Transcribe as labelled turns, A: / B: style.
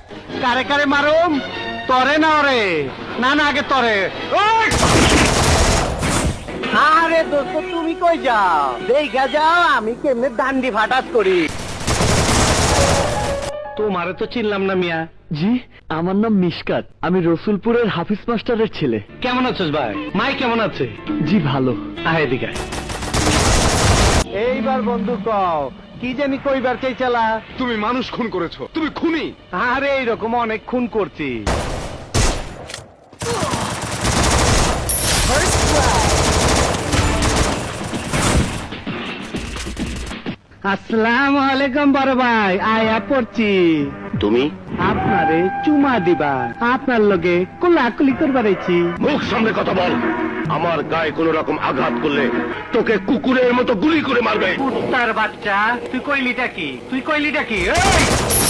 A: কারে কারে মারুম? তরে না ওরে? না না, আগে তরে। আরে দোস্ত, তুমি কই যাও? দেখা যাও আমি কেমনে দান্ডি ফাটাত করি। তোমারে তো চিনলাম না মিয়া।
B: জি, আমার নাম মিশকাত, আমি রসুলপুরের হাফিজ মাস্টারের ছেলে।
A: কেমন আছিস ভাই? মাই কেমন আছে?
B: জি ভালো।
A: আয় এদিকে আয়। এইবার বন্ধু কও, কি জানি কইবার চাইছিলা?
C: তুমি মানুষ খুন করেছো, তুমি খুনি।
A: আরে এইরকম অনেক খুন করছি। আসসালামু আলাইকুম বড় ভাই, আয়া পড়ছি।
C: তুমি
A: আপনারে চুমা দিবা, আপনার লগে কোলাকুলি করবার আইছি।
C: মুখ সামনে কথা বল। আমার গায়ে কোন রকম আঘাত করলে তোকে কুকুরের মতো গুলি করে মারবে।
A: কুত্তার বাচ্চা, তুই কইলিটা কি? তুই কইলিটা কি? এই!